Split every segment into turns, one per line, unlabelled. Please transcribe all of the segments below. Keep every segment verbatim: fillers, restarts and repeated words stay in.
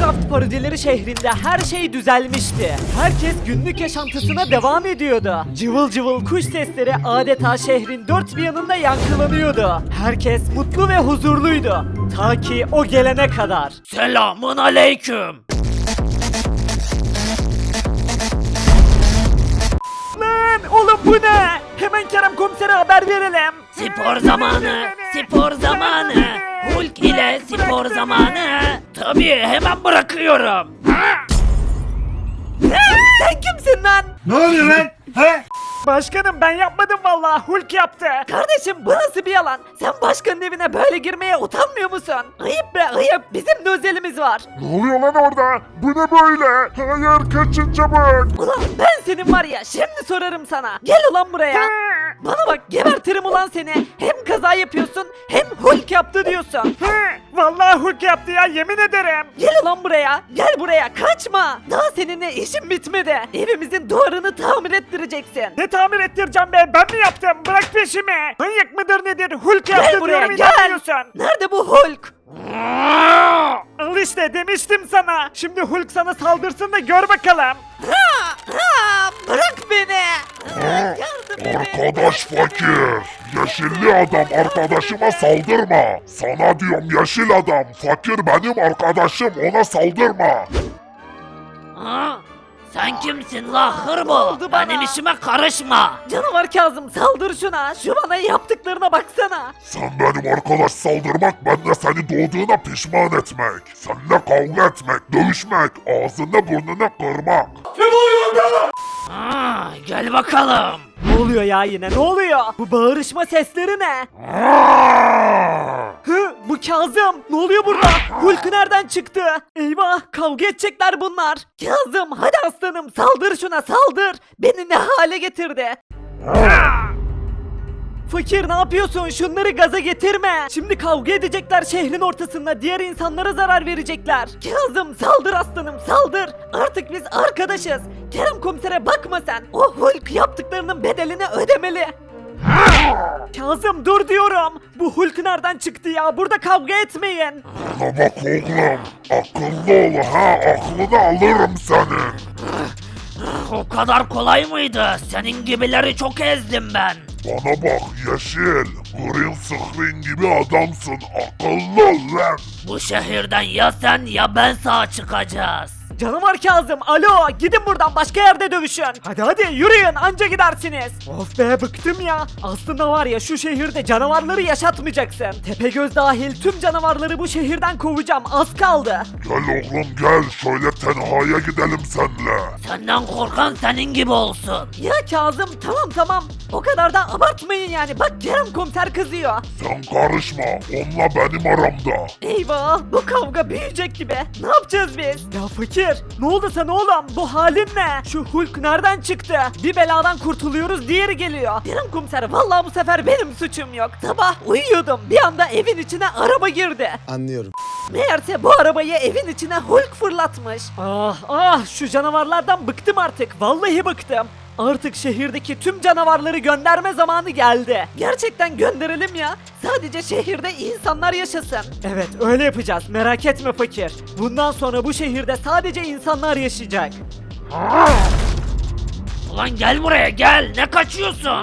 Minecraft parodileri şehrinde her şey düzelmişti. Herkes günlük yaşantısına devam ediyordu. Cıvıl cıvıl kuş sesleri adeta şehrin dört bir yanında yankılanıyordu. Herkes mutlu ve huzurluydu. Ta ki o gelene kadar.
Selamun aleyküm.
Lan oğlum bu ne? Hemen Kerem komisere haber verelim.
Spor zamanı, spor zamanı. Hulk ile spor zamanı. Tabii hemen bırakıyorum.
Sen kimsin lan?
Ne oluyor lan? He?
Başkanım ben yapmadım vallahi, Hulk yaptı. Kardeşim bu nasıl bir yalan? Sen başkanın evine böyle girmeye utanmıyor musun? Ayıp be ayıp, bizim de özelimiz var.
Ne oluyor lan orada? Bu ne böyle? Hayır kaçın çabuk.
Ulan ben senin var ya şimdi sorarım sana. Gel ulan buraya. Bana bak gebertirim ulan seni. Hem kaza yapıyorsun hem Hulk yaptı diyorsun. Vallahi Hulk yaptı ya, yemin ederim. Gel ulan buraya. Gel buraya, kaçma. Daha seninle işim bitmedi. Evimizin duvarını tamir ettireceksin. Ne tamir ettireceğim be? Ben mi yaptım? Bırak peşimi. Manyak mıdır nedir? Hulk yaptı
Gel buraya,
diyorum,
gel.
inanmıyorsun. Nerede bu Hulk? Al işte demiştim sana. Şimdi Hulk sana saldırsın da gör bakalım. Ha, ha, bırak beni. Yardım edin.
Arkadaş fakir. Yeşilli adam arkadaşıma saldırma. Sana diyorum yeşil adam. Fakir benim arkadaşım, ona saldırma.
Ha? Sen kimsin la hırbo?
oldu bana?
Benim işime karışma.
Canavar Kazım saldır şuna. Şu bana yaptıklarına baksana.
Sen benim arkadaş saldırmak, ben de seni doğduğuna pişman etmek. Seninle kavga etmek, dövüşmek, ağzını burnunu kırmak.
Ha, gel bakalım.
Ne oluyor ya yine, ne oluyor? Bu bağırışma sesleri ne? Hı, bu Kazım. Ne oluyor burada? Hulk nereden çıktı? Eyvah, kavga edecekler bunlar. Kazım hadi aslanım saldır şuna, saldır. Beni ne hale getirdi? Fakir ne yapıyorsun? Şunları gaza getirme. Şimdi kavga edecekler şehrin ortasında. Diğer insanlara zarar verecekler. Kazım saldır aslanım, saldır. Artık biz arkadaşız. Kerem komisere bakma sen. O Hulk yaptıklarının bedelini ödemeli. Kazım dur diyorum. Bu Hulk nereden çıktı ya? Burada kavga etmeyin.
Bana bak oğlum, akıllı ol ha, aklını alırım senin.
O kadar kolay mıydı? Senin gibileri çok ezdim ben.
Bana bak yeşil, green screen gibi adamsın, akıllı ol lan.
Bu şehirden ya sen ya ben sağ çıkacağız.
Canavar Kazım, alo, gidin buradan, başka yerde dövüşün. Hadi hadi yürüyün, anca gidersiniz. Of be, bıktım ya. Aslında var ya, şu şehirde canavarları yaşatmayacaksın. Tepegöz dahil tüm canavarları bu şehirden kovacağım, az kaldı.
Gel oğlum gel, şöyle tenhaya gidelim senle.
Senden korkan senin gibi olsun.
Ya Kazım, tamam tamam. O kadar da abartmayın yani, bak Kerem komiser kızıyor.
Sen karışma, onunla benim aramda.
Eyvah, bu kavga büyüyecek gibi. Ne yapacağız biz? Ya fakir, ne oldu sana oğlum? Bu halin ne? Şu Hulk nereden çıktı? Bir beladan kurtuluyoruz, diğeri geliyor. Kerem komiser, vallahi bu sefer benim suçum yok. Sabah uyuyordum, bir anda evin içine araba girdi.
Anlıyorum.
Meğerse bu arabayı evin içine Hulk fırlatmış. Ah ah, şu canavarlardan bıktım artık, vallahi bıktım. Artık şehirdeki tüm canavarları gönderme zamanı geldi. Gerçekten gönderelim ya. Sadece şehirde insanlar yaşasın. Evet, öyle yapacağız. Merak etme fakir. Bundan sonra bu şehirde sadece insanlar yaşayacak.
Ulan gel buraya gel. Ne kaçıyorsun?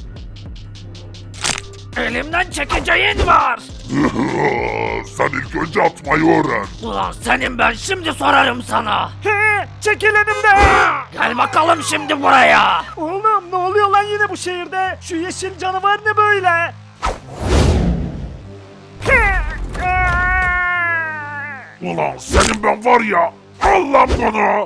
Elimden çekeceğin var.
Sen ilk önce atmayı öğren.
Ulan senin ben şimdi sorarım sana.
He, çekil önümden.
Gel bakalım şimdi buraya.
Oğlum ne oluyor lan yine bu şehirde? Şu yeşil canavar ne böyle?
Ulan senin ben var ya, al lan bunu.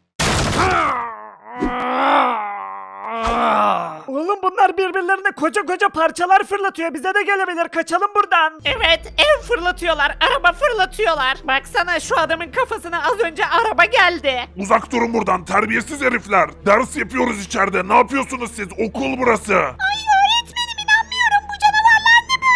Oğlum bunlar birbirlerine koca koca parçalar fırlatıyor. Bize de gelebilir. Kaçalım buradan. Evet, ev fırlatıyorlar. Araba fırlatıyorlar. Baksana şu adamın kafasına az önce araba geldi.
Uzak durun buradan terbiyesiz herifler. Ders yapıyoruz içeride, ne yapıyorsunuz siz? Okul burası.
Ay öğretmenim inanmıyorum bu canavarlar ne böyle?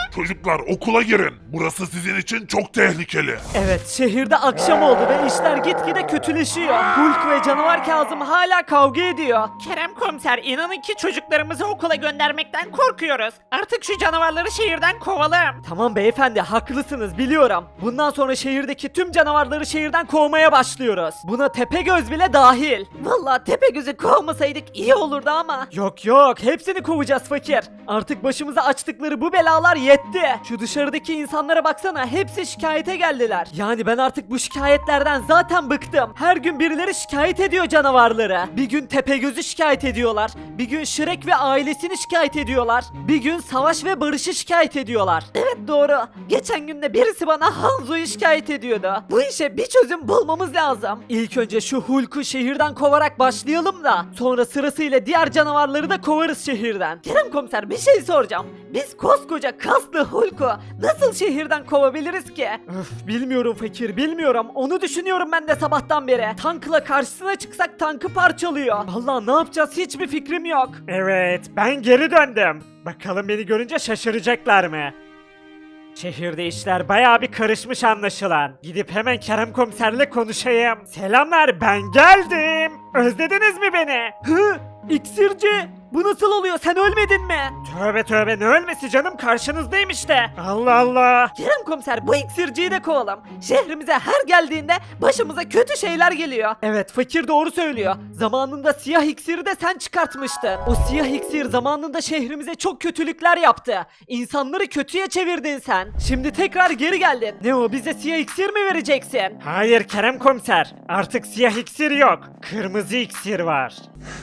Çocuklar okula girin. Burası sizin için çok tehlikeli.
Evet, şehirde akşam oldu ve işler gitgide kötüleşiyor. Hulk ve canavar Kazım hala kavga ediyor.
Kerem komiser, inanın ki çocuklarımızı okula göndermekten korkuyoruz. Artık şu canavarları şehirden kovalım.
Tamam beyefendi, haklısınız biliyorum. Bundan sonra şehirdeki tüm canavarları şehirden kovmaya başlıyoruz. Buna Tepegöz bile dahil. Vallahi Tepegöz'ü kovmasaydık iyi olurdu ama. Yok yok, hepsini kovacağız fakir. Artık başımıza açtıkları bu belalar yetti. Şu dışarıdaki insanlara baksana, hepsi şikayete geldiler. Yani ben artık bu şikayetlerden zaten bıktım. Her gün birileri şikayet ediyor canavarları. Bir gün Tepegöz'ü şikayet ediyorlar. Bir gün Shrek ve ailesini şikayet ediyorlar. Bir gün Savaş ve Barış'ı şikayet ediyorlar. Evet doğru. Geçen gün de birisi bana Hanzo'yu şikayet ediyordu. Bu işe bir çözüm bulmamız lazım. İlk önce şu Hulk'u şehirden kovarak başlayalım da sonra sırasıyla diğer canavarları da kovarız şehirden. Kerem komiser, bir şey soracağım. Biz koskoca kaslı Hulk'u nasıl şehirden kovabiliriz ki? Öf, bilmiyorum fakir, bilmiyorum. Onu düşünüyorum ben de sabahtan beri. Tankla karşısına çıksak tankı parçalıyor. Vallahi ne yapacağız hiçbir fikrim yok. Evet, ben geri döndüm. Bakalım beni görünce şaşıracaklar mı? Şehirde işler bayağı bir karışmış anlaşılan. Gidip hemen Kerem komiserle konuşayım. Selamlar, ben geldim. Özlediniz mi beni? Hı? İksirci! Bu nasıl oluyor? Sen ölmedin mi? Tövbe tövbe, ne ölmesi canım, karşınızdayım işte. Allah Allah. Kerem komiser, bu iksirciyi de kovalım. Şehrimize her geldiğinde başımıza kötü şeyler geliyor. Evet, fakir doğru söylüyor. Zamanında siyah iksiri de sen çıkartmıştın. O siyah iksir zamanında şehrimize çok kötülükler yaptı. İnsanları kötüye çevirdin sen. Şimdi tekrar geri geldin. Ne o, bize siyah iksir mi vereceksin? Hayır Kerem komiser. Artık siyah iksir yok. Kırmızı iksir var.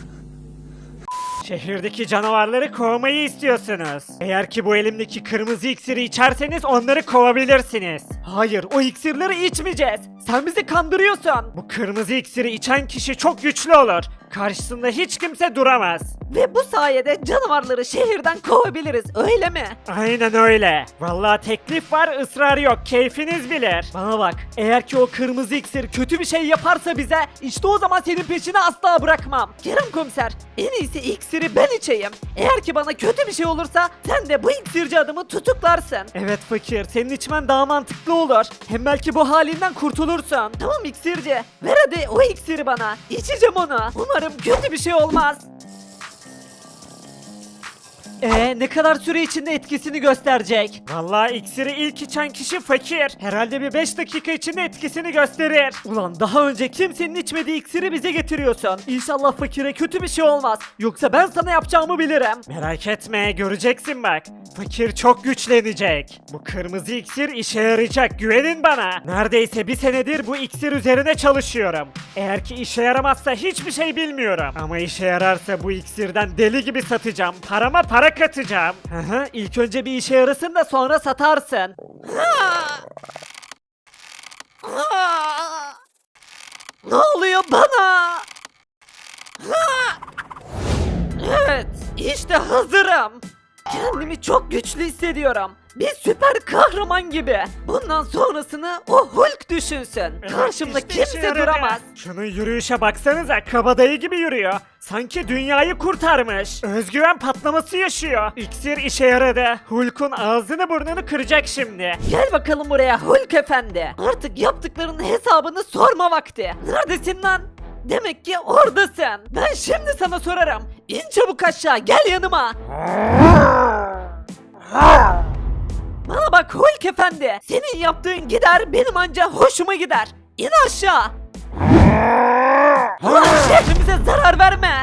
Şehirdeki canavarları kovmayı istiyorsunuz. Eğer ki bu elimdeki kırmızı iksiri içerseniz onları kovabilirsiniz. Hayır, o iksirleri içmeyeceğiz. Sen bizi kandırıyorsun. Bu kırmızı iksiri içen kişi çok güçlü olur. Karşısında hiç kimse duramaz. Ve bu sayede canavarları şehirden kovabiliriz, öyle mi? Aynen öyle. Vallahi teklif var, ısrar yok. Keyfiniz bilir. Bana bak, eğer ki o kırmızı iksir kötü bir şey yaparsa bize, işte o zaman senin peşini asla bırakmam. Kerem komiser, en iyisi iksiri ben içeyim. Eğer ki bana kötü bir şey olursa sen de bu iksirci adamı tutuklarsın. Evet fakir, senin içmen daha mantıklı olur. Hem belki bu halinden kurtulursun. Tamam iksirci, ver hadi o iksiri bana. İçeceğim onu. Umarım kötü bir şey olmaz. Ee, ne kadar süre içinde etkisini gösterecek? Vallahi iksiri ilk içen kişi fakir. Herhalde bir beş dakika içinde etkisini gösterir. Ulan daha önce kimsenin içmediği iksiri bize getiriyorsun. İnşallah fakire kötü bir şey olmaz. Yoksa ben sana yapacağımı bilirim. Merak etme, göreceksin bak. Fakir çok güçlenecek. Bu kırmızı iksir işe yarayacak, güvenin bana. Neredeyse bir senedir bu iksir üzerine çalışıyorum. Eğer ki işe yaramazsa hiçbir şey bilmiyorum. Ama işe yararsa bu iksirden deli gibi satacağım. Parama para katacağım. Hı hı, ilk önce bir işe yarasın da sonra satarsın. Ne oluyor bana? Evet, işte hazırım. Kendimi çok güçlü hissediyorum. Bir süper kahraman gibi. Bundan sonrasını o Hulk düşünsün. Karşımda
işte işe
kimse
yaradı.
duramaz. Şunun yürüyüşe baksanıza, kabadayı gibi yürüyor. Sanki dünyayı kurtarmış. Özgüven patlaması yaşıyor. İksir işe yaradı. Hulk'un ağzını burnunu kıracak şimdi. Gel bakalım buraya Hulk efendi. Artık yaptıklarının hesabını sorma vakti. Neredesin lan? Demek ki oradasın. Ben şimdi sana sorarım. İn çabuk aşağı, gel yanıma. Bana bak Hulk efendi. Senin yaptığın gider, benim anca hoşuma gider. İn aşağı. Ulan şehrimize zarar verme.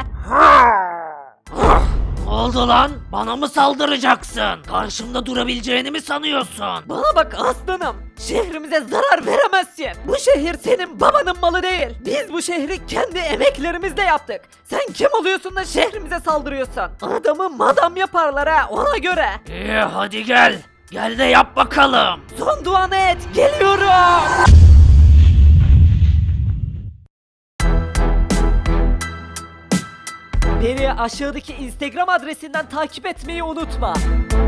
Ne oldu lan? Bana mı saldıracaksın? Karşımda durabileceğini mi sanıyorsun?
Bana bak aslanım. Şehrimize zarar veremezsin. Bu şehir senin babanın malı değil. Biz bu şehri kendi emeklerimizle yaptık. Sen kim oluyorsun da şehrimize saldırıyorsun? Adamı madam yaparlar ha, ona göre.
İyi hadi gel. Gel de yap bakalım.
Son duanı et, geliyorum. Beni aşağıdaki Instagram adresinden takip etmeyi unutma.